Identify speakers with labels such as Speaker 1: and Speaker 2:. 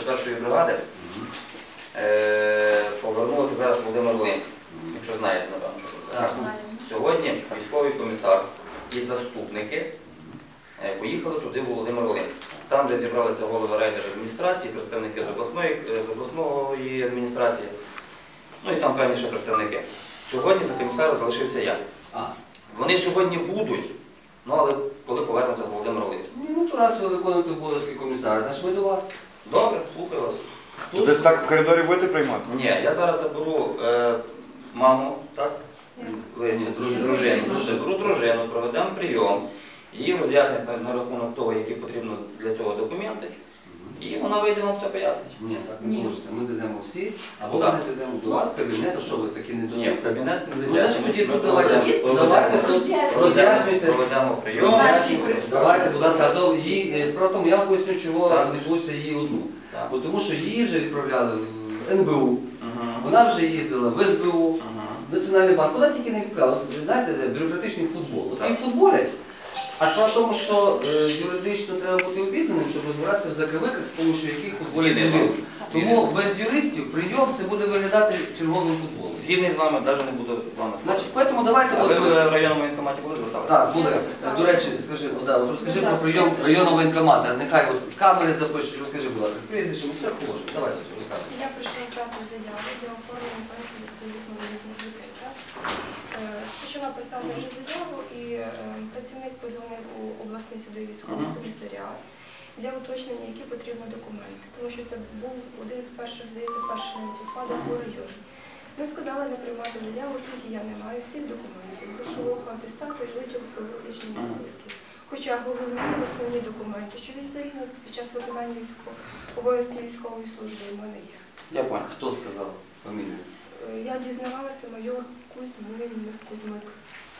Speaker 1: 101-ї бригади повернулося зараз Володимир Волинський, якщо знаєте, напевно, що це. Сьогодні військовий комісар і заступники поїхали туди в Володимир Волинський. Там вже зібралися голови райдержадміністрації, представники з обласної адміністрації, ну і там певні ще представники. Сьогодні за комісаром залишився я. Вони сьогодні будуть, ну але коли повернуться з Володимира Волинського.
Speaker 2: Ну, то раз ви виконуєте обов'язки комісара, значить ми до вас.
Speaker 1: Добре, слухаю вас.
Speaker 3: Ви так в коридорі будете приймати?
Speaker 1: Ні, я зараз заберу маму, так? Дружину, проведемо прийом, її роз'яснять на рахунок того, які потрібно для цього документи, і вона вийде нам все пояснить.
Speaker 2: Ні, так не може. Ми зайдемо всі, або ми зайдемо до вас в кабінет, а що ви такі недоступні?
Speaker 1: Ні, в кабінет не
Speaker 2: Ну, значить, тоді
Speaker 1: зайдемо.
Speaker 2: давайте роз'яснюйте.
Speaker 1: Проведемо прийом.
Speaker 2: Давайте, будь ласка, справа в тому, я вам поясню, чого не вийшло її одну. Тому що її вже відправляли в НБУ, вона вже їздила в СБУ, Національний банк, куди тільки не відправляли. Знаєте, бюрократичний футбол. От її футболять, а справа в тому, що юридично треба бути обізнаним, щоб розбиратися в закривиках, з допомогою яких футболять не. Тому без юристів прийом це буде виглядати черговим футболом.
Speaker 1: Згідний з вами, навіть не буду з вами.
Speaker 2: Значить, тому давайте...
Speaker 1: А ви в районному воєнкоматі були зверталися?
Speaker 2: Так, буде. До речі, скажи, розкажи про прийом районного воєнкомата. Нехай камери запишуть, розкажи, будь ласка, з прізвищем, все положимо. Давайте цю розказуй.
Speaker 4: Я прийшла здати заяву для оформлення пенсії для своїх малолітніх дітей. Почала писати вже заяву, і працівник позвонив у обласний судовий військовий комісаріат для уточнення, які потрібні документи. Тому що це був один з перших, здається, перших навіть випадок у районі. Ми сказали не приймати заяву, оскільки я не маю всіх документів, грошового атестату і витягу про виключення списків. Хоча головні основні документи, що він загинув під час виконання обов'язків військової служби, у мене є.
Speaker 1: Я понял.
Speaker 2: Хто сказав фамілію?
Speaker 4: Я дізнавалася майор Кузьмик.